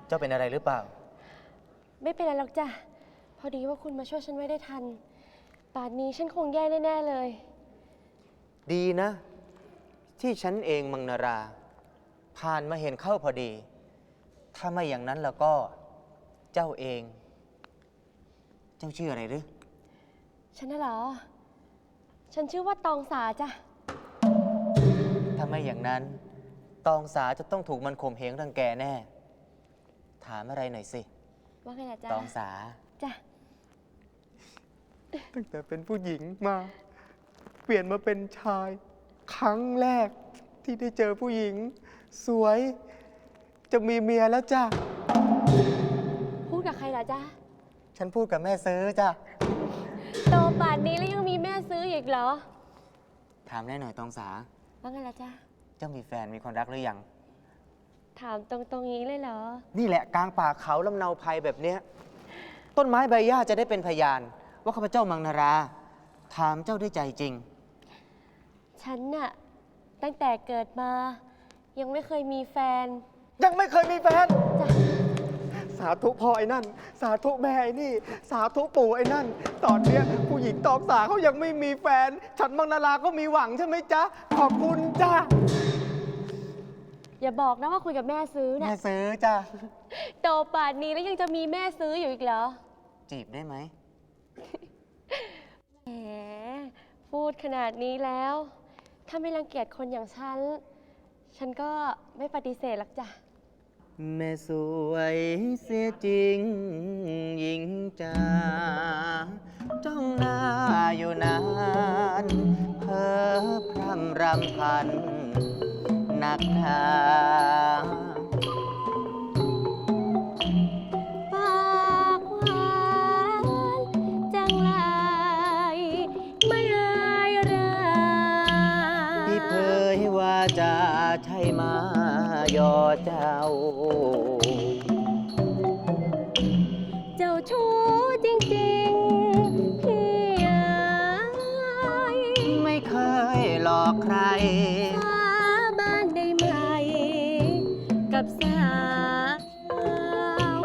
เจ้าเป็นอะไรหรือเปล่าไม่เป็นไรหรอกจ้ะพอดีว่าคุณมาช่วยฉันไว้ได้ทันป่านนี้ฉันคงแย่แน่ๆเลยดีนะที่ฉันเองมังนาราผ่านมาเห็นเข้าพอดีถ้าไม่อย่างนั้นแล้วก็เจ้าเองเจ้าชื่ออะไรหรือฉันน่ะเหรอฉันชื่อว่าตองสาจ้ะถ้าไม่อย่างนั้นตองสาจะต้องถูกมันข่มเหงรังแกแน่ถามอะไรหน่อยสิว่าไงล่ะจ๊ะตองสาจ้ะตั้งแต่เป็นผู้หญิงมาเปลี่ยนมาเป็นชายครั้งแรกที่ได้เจอผู้หญิงสวยจะมีเมียแล้วจ้ะพูดกับใครล่ะจ๊ะฉันพูดกับแม่ซื้อจ้ะโตป่านนี้แล้วยังมีแม่ซื้ออีกเหรอถามได้หน่อยตองสาว่าไงล่ะจ๊ะเจ้ามีแฟนมีคนรักหรือยังถามตรงๆนี้เลยเหรอนี่แหละกลางป่าเขาลำเนาภัยแบบเนี้ยต้นไม้ใบหญ้าจะได้เป็นพยานว่าข้าพเจ้ามังนาราถามเจ้าด้วยใจจริงฉันน่ะตั้งแต่เกิดมายังไม่เคยมีแฟนยังไม่เคยมีแฟนจ้ะสาธุพ่อไอ้นั่นสาธุแม่ไอ้นี่สาธุปู่ไอ้นั่นตอนเนี้ยผู้หญิงตองสาเขายังไม่มีแฟนฉันมังนาราก็มีหวังใช่ไหมจ๊ะขอบคุณจ้ะอย่าบอกนะว่าคุยกับแม่ซื้อแม่นะซื้อจ้ะโตป่านนี้แล้วยังจะมีแม่ซื้ออยู่อีกเหรอจีบได้ไหมแหมพูดขนาดนี้แล้วถ้าไม่รังเกียจคนอย่างฉันก็ไม่ปฏิเสธหรอกจ้ะแม่สวยเสียจริงหญิงจ๋าจ้องหน้าอยู่นานเพ้อพร่ำรำพันนักหนาปากหวานจังไรไม่อายราที่เผยว่าจะใช่มายอเจ้าเจ้าชู้จริงๆพี่ไม่เคยหลอกใครสาบานได้ไหมกับสาว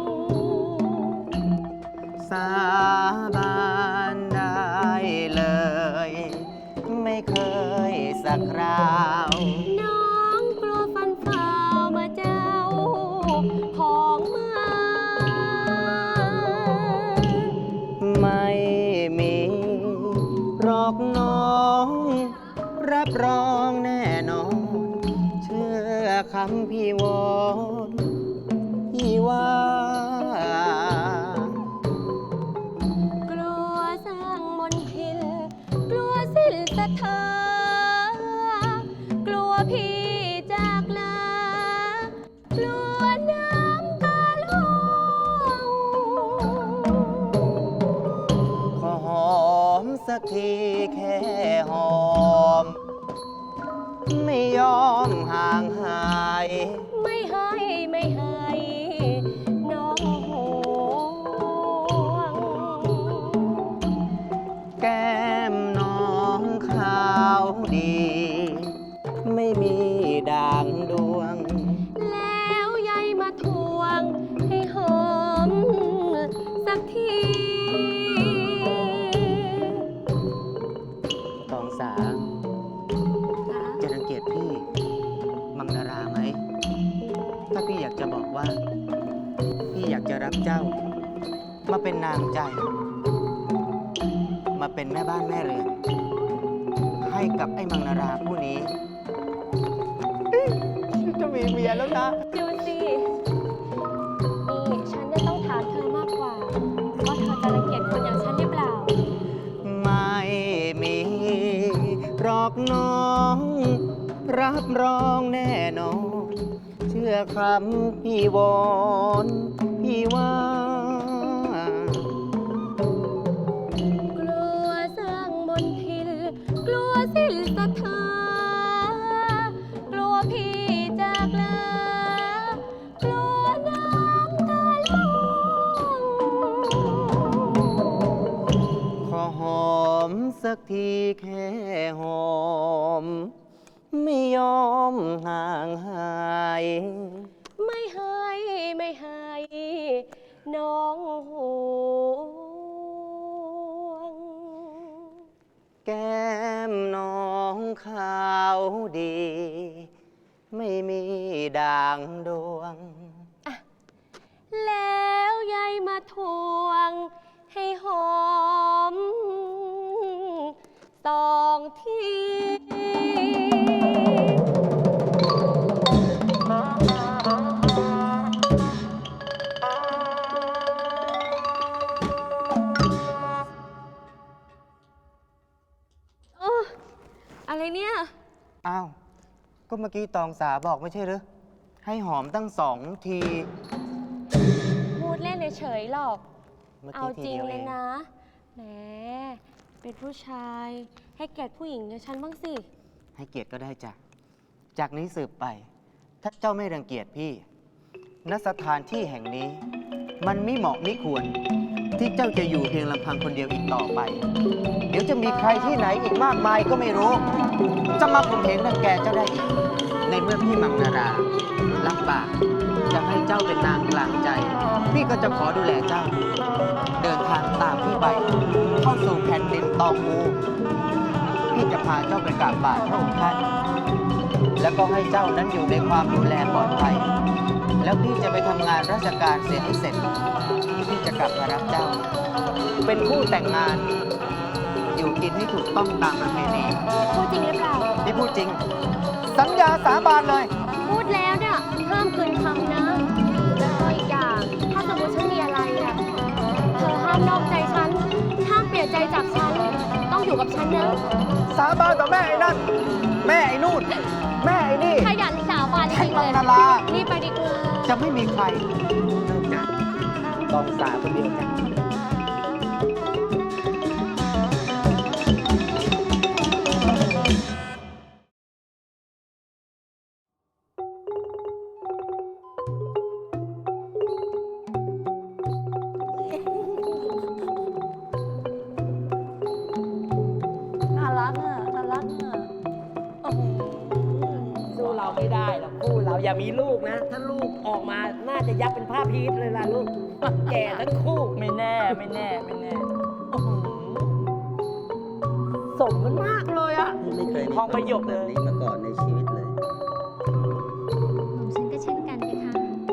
สาบานได้เลยไม่เคยสักคราวน้องกลัวฟันฝ่ามาเจ้าของมาไม่มีหรอกน้องรับรองแน่นอนเชื่อคำพี่วอนพี่ว่ากลัวสร้างมนทินกลัวสิ้นศรัทธากลัวพี่จากลากลัวน้ำตาล่วงขอหอมสักทีแค่หอมไม่ยอมห่างหายไม่ให้น้องห่วงแก้มน้องขาวดีไม่มีด่างดวงแล้วยายมาทวงให้หอมสักทีตองสาจะรังเกียจพี่มังนาราไหมถ้าพี่อยากจะบอกว่าพี่อยากจะรับเจ้ามาเป็นนางใจมาเป็นแม่บ้านแม่เรือนให้กับไอ้มังนาราผู้นี้จะมีเมียแล้วนะดูสินี่ฉันจะต้องถามเธอมากกว่าว่าเธอจะรังเกียจคนอย่างฉันหรือเปล่าไม่มีหรอกน้องรับรองแน่นอนเชื่อคำพี่วอนพี่ว่ากลัวสร้างมนทินกลัวสิ้นศรัทธากลัวพี่จากลากลัวน้ำตาล่วงขอหอมสักทีแค่หอมไม่ยอมห่างหายไม่ให้น้องห่วงแก้มน้องขาวดี ไม่มีด่างดวงแล้วยายมาทวงให้หอมสองทีโอ้อะไรเนี่ยอ้าว ก็เมื่อกี้ตองสาบอกไม่ใช่หรือ ให้หอมตั้ง2 ทีพูดเล่นเฉยๆหรอกเมื่อเอากี้ทีจริงเดียวเลเอย งนะ แหม เป็นผู้ชาย ให้เกียรติผู้หญิงอย่างฉันบ้างสิให้เกียรติก็ได้จ้ะ จากนี้สืบไป ถ้าเจ้าไม่รังเกียจพี่ ณ สถานที่แห่งนี้ มันไม่เหมาะไม่ควร ที่เจ้าจะอยู่เพียงลำพังคนเดียวอีกต่อไป เดี๋ยวจะมีใครที่ไหนอีกมากมายก็ไม่รู้ จะมาข่มเหงรังแกเจ้าได้อีก ในเมื่อพี่มังนารารับปากจะให้เจ้าเป็นนางกลางใจ พี่ก็จะขอดูแลเจ้า เดินทางตามพี่ไป เข้าสู่แผ่นดินตองอูพี่จะพาเจ้าไปกราบบาทพระองค์ท่าน แล้วก็ให้เจ้านั้นอยู่ในความดูแลปลอดภัย แล้วพี่จะไปทำงานราชการเสร็จให้เสร็จ พี่จะกลับมารับเจ้า เป็นคู่แต่งงาน อยู่กินให้ถูกต้องตามประเพณีพูดจริงหรือเปล่าพี่พูดจริง สัญญาสาบานเลยพูดแล้วเนี่ยห้ามคืนคำนะ แล้วก็อีกอย่าง ถ้าสมมติฉันมีอะไรอ่ะ เธอห้ามนอกใจฉัน ห้ามเปลี่ยนใจจากฉัน ต้องอยู่กับฉันนะสาบานต่อแม่ไอ้นั่น แม่ไอ้นู่น แม่ไอ้นี่ขยันสาวบานจริงๆมัเลงยนารารีบไปดีกว่าจะไม่มีใครนอกจากตองสาคนเดียวจ้ะน่ารักอ่ะ น่ารักอ่ะโอ้โหสู้เราไม่ได้หรอกคู่เราอย่ามีลูกนะ ถ้าลูกออกมาน่าจะยับเป็นผ้าพีชเลยล่ะลูก แก่ทั้งคู่ ไม่แน่ ไม่แน่ ไม่แน่โอ้โหสมมันมากเลยอ่ะไม่เคยมีทองประโยคแบเลบยนี้มาก่อนในชีวิตเลยฉันก็เช่นกันนะคะ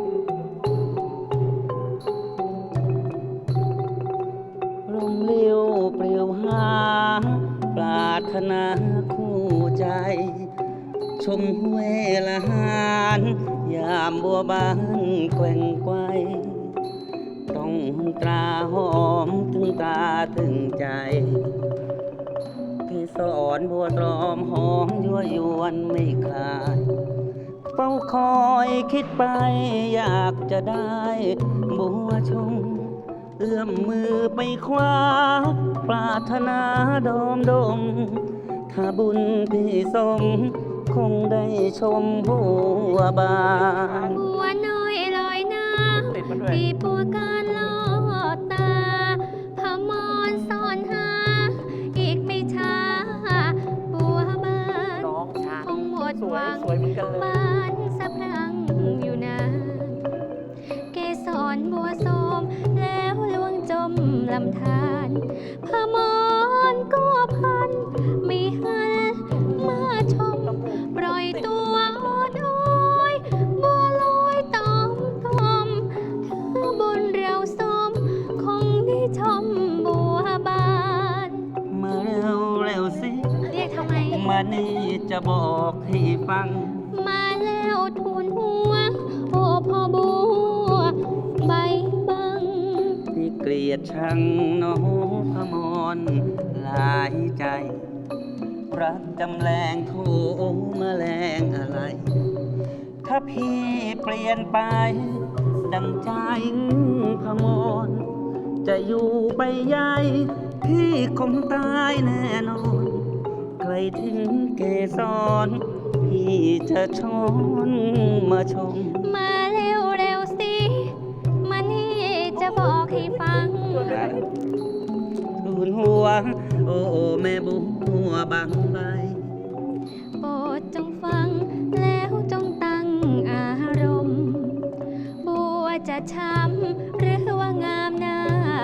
ลมเลี้ยวเปลี่ยวหา ปรารถนาคู่ใจ ชมห้วยละหานยามบัวบานแกว่งไกวต้องตราหอมถึงตาถึงใจพี่สอนบัวตรอมหอมยั่วยวนไม่ขาด เฝ้าคอยคิดไปอยากจะได้บัวชม เอื้อมมือไปคว้า ปรารถนาดอมดม ถ้าบุญพี่สม คงได้ชมบัวบานบัวน้อยลอยน้ติดมาด้วยำปีปัวการลอดตาพมรซ่อนหา อีกไม่ช้า บัวบานน้องช้างคงหมดสหวยวังสวยเหมือนกันเลยบานสะพรั่งอยู่นานเกสรบัวโสมแล้วลวงจมลำธารพมรก็พันไม่หันมาชม ปล่อยตัวอดโอยบัวลอยตอมตอมถ้าบนเราสม คงได้ชมบัวบานมาเร็วเร็วสิเรียกทำไมมานี่จะบอกให้ฟังมาแล้วทูลหัว โอ้พ่อบัวใบบังที่เกลียดชังน้องพมรหลายใจ รักจำแรงโทแมลงอะไร ถ้าพี่เปลี่ยนไป ดังใจพมร จะอยู่ไปใหญ่พี่คงตายแน่นอน ใครถึงเกสรพี่จะช้อนมาชมมาเร็วเร็วสิ มานี่จะบอกให้ฟังทูลหัว โอ้แม่บัวบางใบโปรดจงฟังแล้วจงตั้งอารมณ์ บัวจะช้ำหรือว่า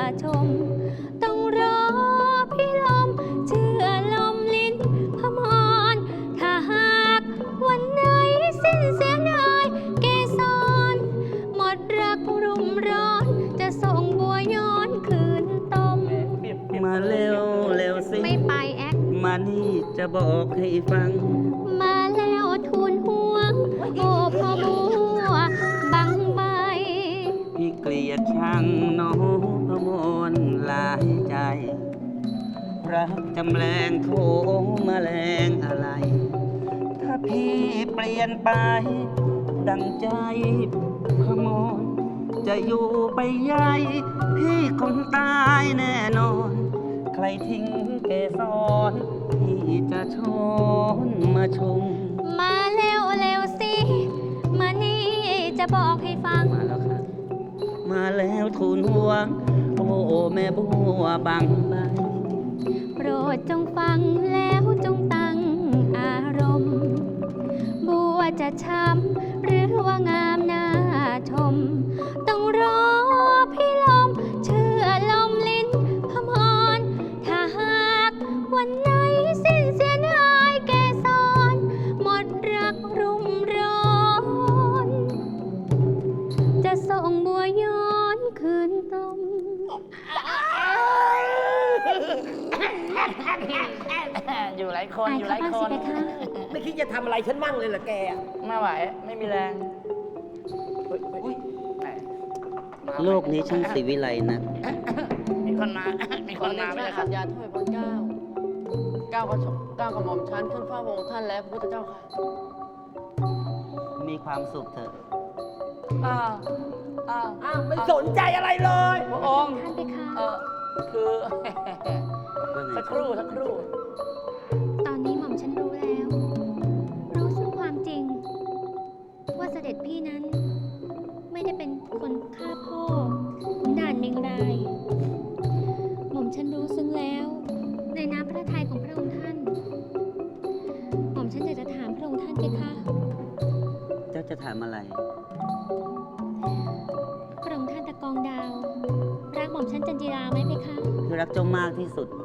ชม ต้องรอพี่ลมเชื่อลมลิ้นพมรถ้าหากวันไหนสิ้นเสียดายเกสรหมดรักรุ่มร้อนจะส่งบัวย้อนคืนต้มมาเร็วเร็วสิไม่ไปแอคมานี่จะบอกให้ฟังมาแล้วทูลหัวโอ้พ่อบัวบังใบพี่เกลียดชังน้องพมรหลายใจ รักจำแรงโถแมลงอะไร ถ้าพี่เปลี่ยนไป ดังใจพมรจะอยู่ไปใหญ่พี่คงตายแน่นอน ใครทิ้งเกสรพี่จะช้อนมาชมมาเร็วเร็วสิ มานี่จะบอกให้ฟังมาแล้วครับ มาแล้วทูลหัว โอ้แม่บัวบางใบโปรดจงฟังแล้วจงตั้งอารมณ์ บัวจะช้ำหรือว่างามน่าชม ต้องรอพี่ลมเชื่อลมลิ้นพมรถ้าหากวันไหนสิ้นเสียดายเกสรหมดรักรุ่มร้อน จะส่งบัวย้อนคืนต้มอยู่หลายคนอายอยู่หเขาลายบ้างคสินเพคะไม่คิดจะทำอะไรฉันมั่งเลยเหรอแกไม่ไหว ไม่มีแรงโลกนี้ช่างสิวิไลนะมีคนมา มีคนมาไม่ไม่ได้ได้ครัขับดยาถ้วยพระเก้าก้าวกระหม่อมชั้นขึ้นเฝ้าพระองค์ท่านแล้วพระพุทธเจ้าค่ะมีความสุขเถอะอ้าวไม่สนใจอะไรเลย พระองค์ท่านเพคะคือว่าไงสักครู่สักครู่ตอนนี้หม่อมฉันรู้แล้ว รู้ซึ่งความจริง ว่าเสด็จพี่นั้น ไม่ได้เป็นคนฆ่าพ่อขุนด่านเมงราย หม่อมฉันรู้ซึ้งแล้ว ในน้ำพระทัยของพระองค์ท่าน หม่อมฉันอยากจะถามพระองค์ท่านเพคะเจ้าจะถามอะไรพระองค์ท่านตะกองดาว รักหม่อมฉันจันจิราไหมเพคะคือรักเจ้ามากที่สุด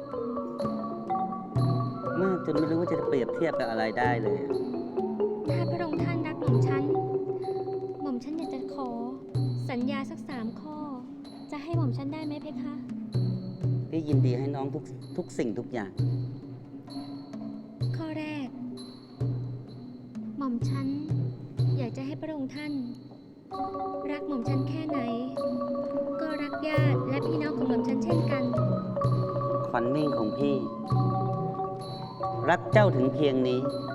มากจนไม่รู้ว่าจะเปรียบเทียบกับอะไรได้เลยถ้าพระองค์ท่านรักหม่อมฉัน หม่อมฉันอยากจะขอ สัญญาสัก3 ข้อ จะให้หม่อมฉันได้ไหมเพคะพี่ยินดีให้น้องทุกสิ่งทุกอย่างข้อแรก หม่อมฉันอยากจะให้พระองค์ท่าน รักหม่อมฉันแค่ไหน ก็รักญาติและพี่น้องของหม่อมฉันเช่นกันขวัญมิ่งของพี่ รักเจ้าถึงเพียงนี้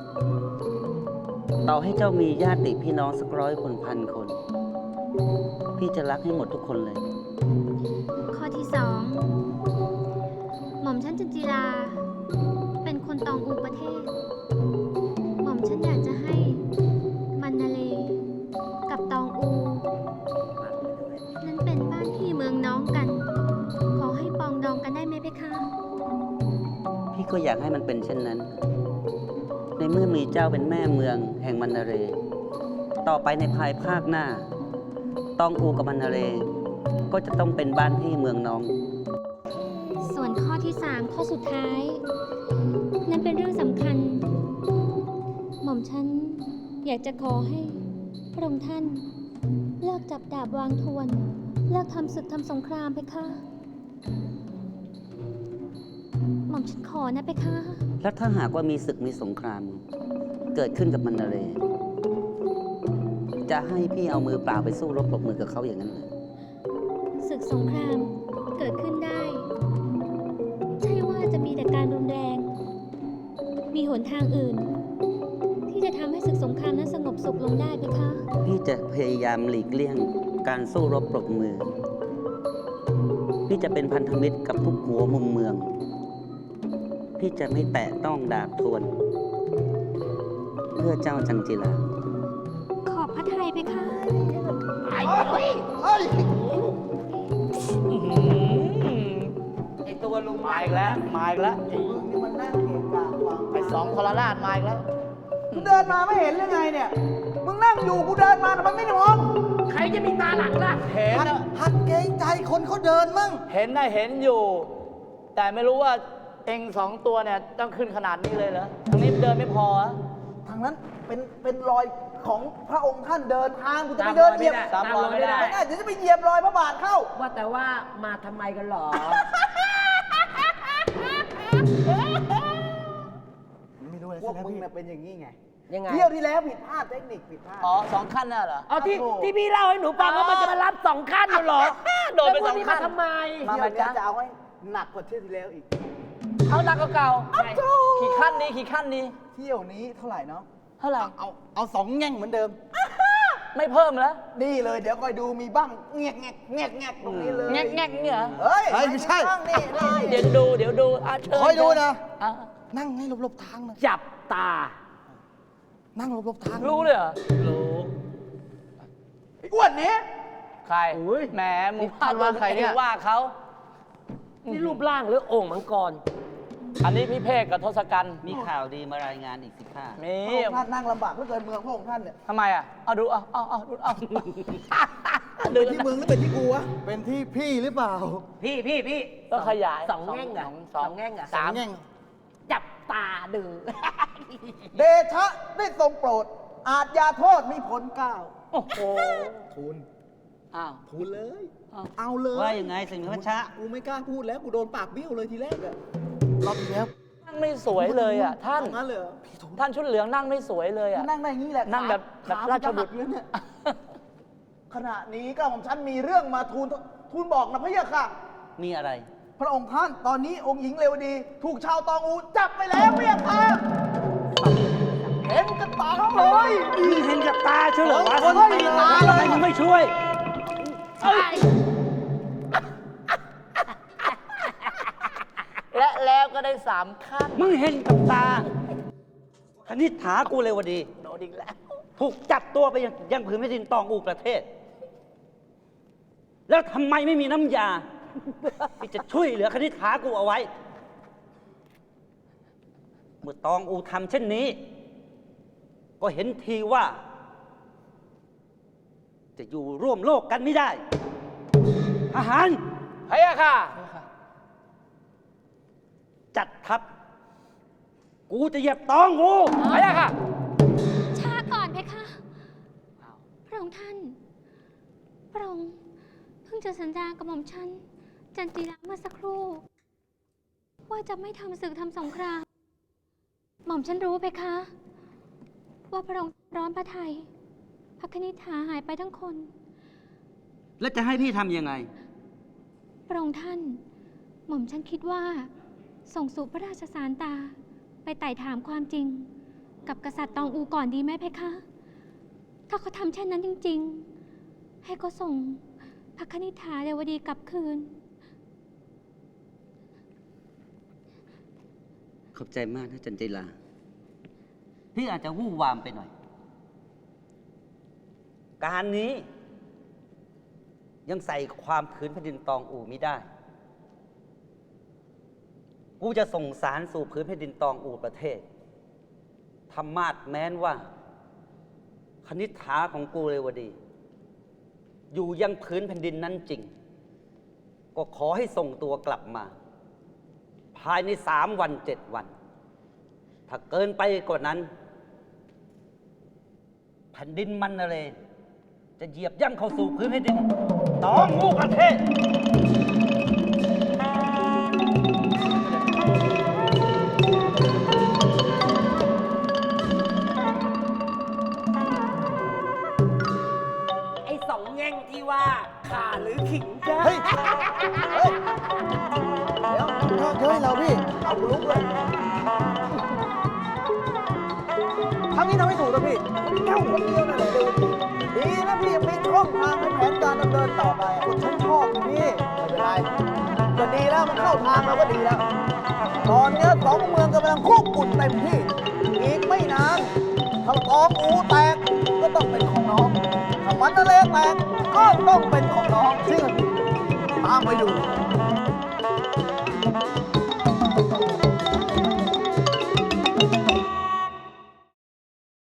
ต่อให้เจ้ามีญาติพี่น้องสัก100 คน1,000 คน พี่จะรักให้หมดทุกคนเลยข้อที่ 2 หม่อมฉันจันจิรา เป็นคนตองอูประเทศ หม่อมฉันอยากจะให้มันนาเลกับตองอู นั้นเป็นบ้านพี่เมืองน้องกัน ขอให้ปองดองกันได้ไหมเพคะพี่ก็อยากให้มันเป็นเช่นนั้น ในเมื่อมีเจ้าเป็นแม่เมืองแห่งมันนาเร ต่อไปในภายภาคหน้า ตองอูกับมันนาเร ก็จะต้องเป็นบ้านพี่เมืองน้องส่วนข้อที่ 3 ข้อสุดท้าย นั่นเป็นเรื่องสำคัญ หม่อมฉันอยากจะขอให้พระองค์ท่าน เลิกจับดาบวางทวน เลิกทำศึกทำสงครามเพคะ หม่อมฉันขอนะเพคะแล้วถ้าหากว่ามีศึกมีสงคราม เกิดขึ้นกับมันนาเร จะให้พี่เอามือเปล่าไปสู้รบปรบมือกับเขาอย่างนั้นเลยศึกสงครามเกิดขึ้นได้ ใช่ว่าจะมีแต่การรุนแรง มีหนทางอื่น ที่จะทำให้ศึกสงครามนั้นสงบสุขลงได้เพคะพี่จะพยายามหลีกเลี่ยงการสู้รบปรบมือ พี่จะเป็นพันธมิตรกับทุกหัวมุมเมือง พี่จะไม่แตะต้องดาบทวน เพื่อเจ้าจันจิราขอบพระทัยเพคะไอตัวลุงมาอีกแล้ว มาอีกแล้วนี่มันนั่งเกะกะวางไอ2 ทรราชมาอีกแล้วเดินมาไม่เห็นหรือไงเนี่ยมึงนั่งอยู่กูเดินมาทำไมไม่มองใครจะมีตาหลังล่ะเห็นนะหัดเกรงใจคนเขาเดินมั่งเห็นนะเห็นอยู่ แต่ไม่รู้ว่าเองสองตัวเนี่ยต้องขึ้นขนาดนี้เลยเหรอทางนี้เดินไม่พอเหรอทางนั้นเป็นรอยของพระองค์ท่านเดินทางกูจะไปเดินเหยียบตามรอยไม่ได้ไม่ได้เดี๋ยวจะไปเหยียบรอยพระบาทเข้าว่าแต่ว่ามาทำไมกันหรอไม่รู้เลยพวกมึงน่ะเป็นอย่างนี้ไงยังไงเที่ยวที่แล้วผิดพลาดเทคนิคผิดพลาดอ๋อสองขั้นน่ะเหรอเอาที่พี่เล่าให้หนูฟังว่ามันจะมารับ2 ขั้นเหรอโดนไปแล้วพวก 2 ขั้นมาทำไมมาเที่ยวนี้จ๊ะจะเอาให้หนักกว่าเที่ยวที่แล้วอีกเอาหนักกว่าเก่าขี่ขั้นนี้ขี่ขั้นนี้เที่ยวนี้เท่าไหร่เนาะเท่าไหร่เอา2 แง่งเหมือนเดิมไม่เพิ่มแล้วนี่เลยเดี๋ยวคอยดูมีบ้างแงกแงกแงกแงกตรงนี้เลยแงกแงกเนี่ยเหรอเฮ้ยไม่ใช่บ้างนี่เดี๋ยวดูอ่ะเชิญคอยดูนะอ่ะนั่งให้หลบๆทางนะจับตานั่งหลบๆทางรู้เลยเหรอ รู้ไอ้อ้วนนี้ใครแหมมึงว่าใครเนี่ยว่าเขานี่รูปร่างหรือโอ่งมังกรอันนี้พี่เพกกับทศกัณฐ์มีข่าวดีมารายงานอีกสิข้ามีพระองค์ท่านนั่งลำบากเหลือเกินเมืองพระองค์ท่านเนี่ยทำไมอ่ะ เอาดูเอาดูเป็นที่เมืองหรือเป็นที่กูวะเป็นที่พี่หรือเปล่าพี่ก็ขยายสองแง่งเหรอสองสองแง่งเหรอสามแง่งจับตาดูเดชะได้ทรงโปรด อาจยาโทษมีผลเกล้าโอ้โหทูลอ้าวทูลเลยอ้าวเอาเลยว่ายังไงสิงห์พระชะกูไม่กล้าพูดแล้วกูโดนปากเบี้ยวเลยทีแรกอะรอบที่แล้วนั่งไม่สวยเลยอ่ะท่านเองั้นเลยเหรอท่านชุดเหลืองนั่งไม่สวยเลยอ่ะนั่งได้อย่างนี้แหละนั่งแบบขาราชบุตรขาจะหักเลยเนี่ยขณะนี้ก็ของฉันมีเรื่องมาทูลบอกนะพะยะค่ะมีอะไรพระองค์ท่านตอนนี้องค์หญิงเรวดี ถูกชาวตองอูจับไปแล้วพะยะค่ะเห็นกับตาเลยมึงเห็นกับตาเฉลยวะคนตีตาเลยทำไมมึงไม่ช่วยและแล้วก็ได้3 ขั้นมึงเห็นกับตา คณิษฐากูเลยวดีโดนอีกแล้วถูกจับตัวไปยังผืนแผ่นดินตองอูประเทศ แล้วทำไมไม่มีน้ำยา ที่จะช่วยเหลือคณิษฐากูเอาไว้ เมื่อตองอูทำเช่นนี้ ก็เห็นทีว่า จะอยู่ร่วมโลกกันไม่ได้ทหารพะยะค่ะจัดทัพ กูจะเหยียบตองอูพะยะค่ะช้าก่อนเพคะ พระองค์ท่าน พระองค์เพิ่งจะสัญญากับหม่อมฉันจันจีราเมื่อสักครู่ ว่าจะไม่ทำศึกทำสงคราม หม่อมฉันรู้เพคะ ว่าพระองค์ร้อนพระทัยพระคณิษฐาหายไปทั้งคนแล้วจะให้พี่ทำยังไงพระองค์ท่าน หม่อมฉันคิดว่า ส่งสู่พระราชสารตา ไปไต่ถามความจริง กับกษัตริย์ตองอูก่อนดีไหมเพคะ ถ้าเขาทำเช่นนั้นจริง ๆ ให้เขาส่งพระคณิษฐาเรวดีกลับคืนขอบใจมากนะจันจิลา พี่อาจจะวู่วามไปหน่อย การนี้ ยังใส่ความผืนแผ่นดินตองอูไม่ได้ กูจะส่งสารสู่ผืนแผ่นดินตองอูประเทศธรรมาสแม้นว่า คณิษฐาของกูเลยวดี อยู่ยังผืนแผ่นดินนั้นจริง ก็ขอให้ส่งตัวกลับมา ภายใน3 วัน 7 วัน ถ้าเกินไปกว่านั้น แผ่นดินมันนะเลย จะเหยียบย่ำเข้าสู่พื้นแผ่นดินตองอูประเทศไอ้2 แง่งที่ว่าข่าหรือขิงจ้าเฮ้ย เดี๋ยวเฮ้ยเราพี่ เอากูลุกเลยทำนี้ทำไม่ถูกนะพี่แค่คนเดียวนั่นแหละดีนะพี่ยังมีช่องทางให้แผนการดำเนินต่อไปคนฉันชอบนะพี่ ไม่เป็นไรก็ดีแล้วมันเข้าทางเราก็ดีแล้ว ตอนนี้2 เมืองกำลังคุกกุ่นเต็มที่ อีกไม่นานถ้าตองอูแตกก็ต้องเป็นของน้องถ้ามันทะเลแตกก็ต้องเป็นของน้องจริงตามไปดู